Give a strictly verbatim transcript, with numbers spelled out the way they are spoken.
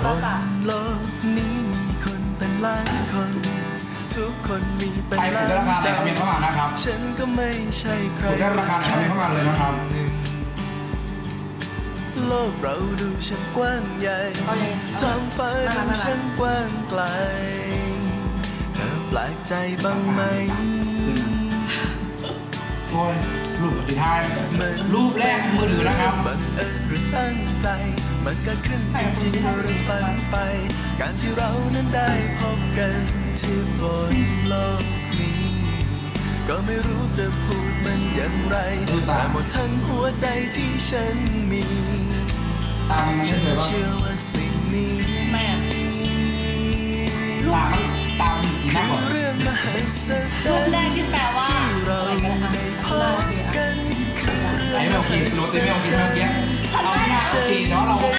บนโลกนี้มีคนเป็นล้านคนทุกคนมีเป็นใครถูกได้ราคาไหนคอมเมนต์เข้ามานะครับฉันก็ไม่ใช่ใครถูกได้ราคาไหนคอมเมนต์เข้ามาเลยนะครับโลกเราดูช่างกว้างใหญ่ท้องฟ้าดูช่างกว้างไกลเธอแปลกใจบ้างไหมโอ้ยรูปสุดท้ายรูปแรกมือถือนะครับบังเอิญหรือตั้งใจมันเกิดขึ้นจริงๆหรือฝันไป การที่เรานั้นได้พบกันที่บนโลกนี้ ก็ไม่รู้จะพูดมันอย่างไรแต่หมดทั้งหัวใจที่ฉันมีตามมันฉัไม่นเลยว่าเชื่อว่าสิ่งนี้แม่ตามมันตามมันสีหน้าก่อนเรื่องมหัศจรูรปรย์แรกที่แปลว่าที่เราอะไรกันนะคะได้พบกันคือเรื่องไอ้ไม่โอเคสโลว์เต็มไม่โอเคไม่โอเคเอาที่โอเคเนาะเรา